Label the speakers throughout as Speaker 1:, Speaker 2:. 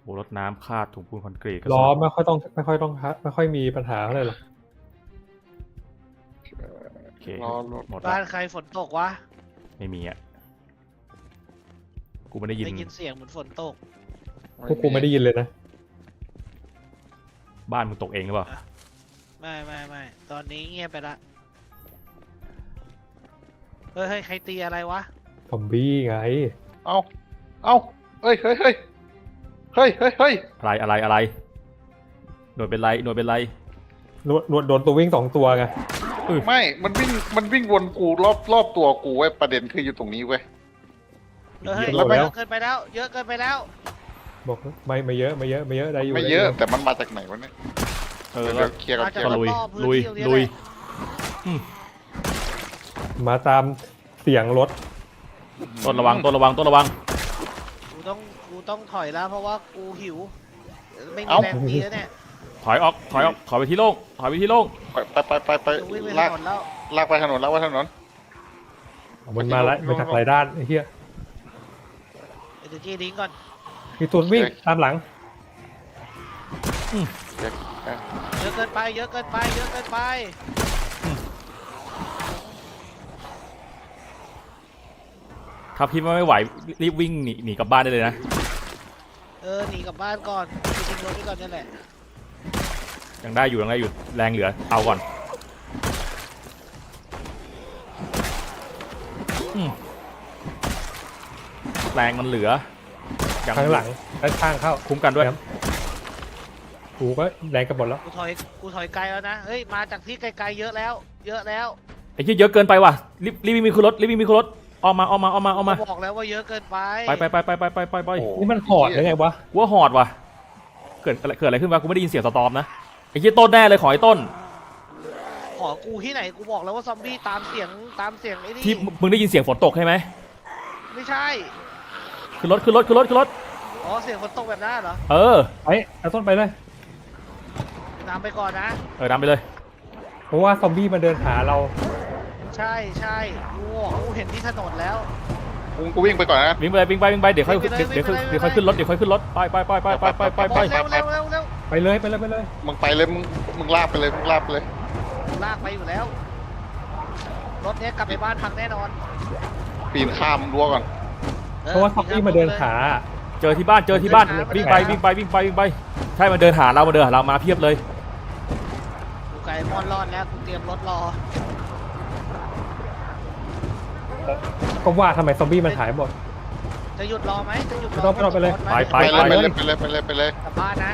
Speaker 1: โอ้รถน้ำคาดถุงปูนคอนกรีต
Speaker 2: ล้อไม่ค่อยมีปัญหาอะไรหรอก
Speaker 1: โอเค
Speaker 3: รอรถ
Speaker 1: หมด
Speaker 4: บ้า
Speaker 1: ละ
Speaker 4: นใครฝนตกวะ
Speaker 1: ไม่มีอ่ะกูไม่ได้ยิน
Speaker 4: ได้ยินเสียงเหมือนฝนตก
Speaker 2: พวกกูไม่ได้ยินเลยนะ
Speaker 1: บ้านมึงตกเองหรือเปล่า
Speaker 4: ไม่ตอนนี้เงียบไปละเฮ้ยใครตีอะไรวะ
Speaker 2: ซอมบี้ไง
Speaker 3: เอาเฮ้ย
Speaker 1: อะไรหน่วยเป็นไร
Speaker 2: โดนตัววิ่ง2 ตัวไง
Speaker 3: ไม่มันวิ่งวนกูรอบตัวกูเว้ยประเด็นคืออยู่ตรงนี้เว้ย
Speaker 4: เฮ้ย
Speaker 2: หมดแล้ว
Speaker 4: เยอะเกินไปแล้ว เยอะเกินไปแล้ว
Speaker 2: บอกไม่เยอะได้อยู่
Speaker 3: ไม่เยอะแต่มันมาจากไหนวะเนี่ย
Speaker 1: เออ
Speaker 3: เดี๋ยวเคลียร์กัน
Speaker 4: มา
Speaker 3: เค
Speaker 4: จาก
Speaker 3: ลียร์
Speaker 1: ก็
Speaker 3: กัน
Speaker 1: ลุย
Speaker 4: รอบๆพื้นที่ตรงนี้
Speaker 2: มาตามเสียงรถ
Speaker 1: ต้นระวัง
Speaker 4: กูต้องถอยแล้วเพราะว่ากูหิว ไม่มีแรงตีแล้วเนี่ย
Speaker 1: ถอยไปที่โล่ง
Speaker 3: ไป
Speaker 4: จะวิ่งไปถ
Speaker 3: ลาก
Speaker 4: นนแล้ว
Speaker 3: ลากไปถนน
Speaker 2: มันมาแล้วมาจากหลายด้านไอ้เหี้ย
Speaker 4: เดี๋ยวจีดิ้งก่อน
Speaker 2: มีตัววิ่งตามหลัง
Speaker 4: เยอะเกินไป
Speaker 1: ถ้าพี่ไม่ไหวรีบวิ่งหนีกลับบ้านได้เลยนะ
Speaker 4: หนีกลับบ้านก่อนทิ้งรถไว้ก่อนนี่แหละ
Speaker 1: ยังได้อยู่แรงเหลือเอาก่อนแรงมันเหลือ
Speaker 2: ข้างหลังด้านข้างเข้า
Speaker 1: คุ้มกันด้วย
Speaker 2: กูก็แรงกันหมดแล้ว
Speaker 4: กูถอยไกลแล้วนะเฮ้ยมาจากที่ไกลๆเยอะแล้ว
Speaker 1: ไอ้เหี้ยเยอะเกินไปว่ะรีบวิ่งมีขึ้นรถออกมา
Speaker 4: บอกแล้วว่าเยอะเกินไป
Speaker 1: ไป
Speaker 2: นี่มันหอดยังไงวะ
Speaker 1: กูว่าหอดว่ะเกิดอะไรขึ้นวะกูไม่ได้ยินเสียงสตอมนะไอ้เหี้ยต้นแน่เลยขอไอ้ต้น
Speaker 4: ขอกูที่ไหนกูบอกแล้วว่าซอมบี้ตามเสียงไอ้นี่
Speaker 1: ที่มึงได้ยินเสียงฝนตกใช่ไหม
Speaker 4: ไม่ใช่
Speaker 1: ขึ้นรถ
Speaker 4: อ๋อเสียงฝนตกแบบนั้นเหรอ
Speaker 1: เออ
Speaker 2: เอาต้นไปเลย
Speaker 4: นำไปก่อนนะ
Speaker 1: นำไปเลย
Speaker 2: เพราะว่าซอมบี้มันเดินหาเรา
Speaker 4: ใช่กูเห็นที่ถนนแล้ว
Speaker 3: กูวิ่งไปก่อนนะ
Speaker 1: วิ่งไปเดี๋ยวค่อยขึ้นรถไป
Speaker 4: เร็ว
Speaker 2: ไปเลย
Speaker 3: มึงไปเลยมึงลากไปเลย
Speaker 4: ลากไปอยู่แล้วรถเนี้ยกลับไปบ้านพังแน่นอน
Speaker 3: ปีนข้ามรั้วก่อน
Speaker 2: เพราะว่าซอมบี้มาเดินหา
Speaker 1: เจอที่บ้านวิ่งไปใช่มันเดินหาเรามาเพียบเลย
Speaker 4: กูไก่มอนรอดแล้วกูเตรียมรถรอ
Speaker 2: ก็ว่าทำไมซอมบี้มันหายหมด
Speaker 4: จะหยุดรอไหมจะหยุดรอ
Speaker 2: ไม่ต้องไปเลย
Speaker 1: ไป
Speaker 3: ไปเลย
Speaker 4: กลับบ้านนะ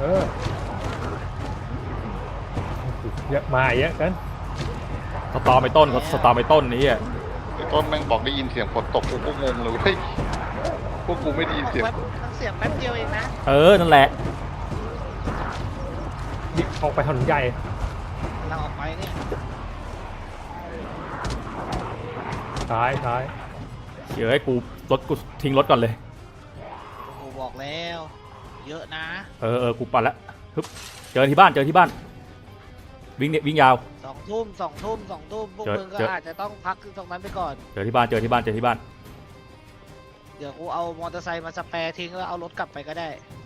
Speaker 2: เยอะมาเยอะกัน
Speaker 1: สตอมไปต้นนี่อ่ะ
Speaker 3: ไอ้ต้นแม่งบอกได้ยินเสียงฝนตกกูก็งงเลยเฮ้ยพวกกูไม่ได้ยินเสียง
Speaker 4: เสียงแป๊บเดียวเองนะ
Speaker 1: นั่นแหละ
Speaker 2: ดิออกไปถนนใหญ่
Speaker 4: เราออกไปเนี่ย
Speaker 2: ซ้าย
Speaker 1: เดี๋ยวให้กูทิ้งรถก่อนเลย
Speaker 4: กูบอกแล้วเยอะนะ
Speaker 1: กูปั่นละฮึบเจอที่บ้านวิ่งยาว
Speaker 4: 2 ทุ่มพวกมึงก็อาจจะต้องพักตรงนั้นไปก่อน
Speaker 1: เจอที่บ้าน
Speaker 4: เดี๋ยวกูเอามอเตอร์ไซค์มาสแปร์ทิ้งแล้วเอารถกลับไปก็ได้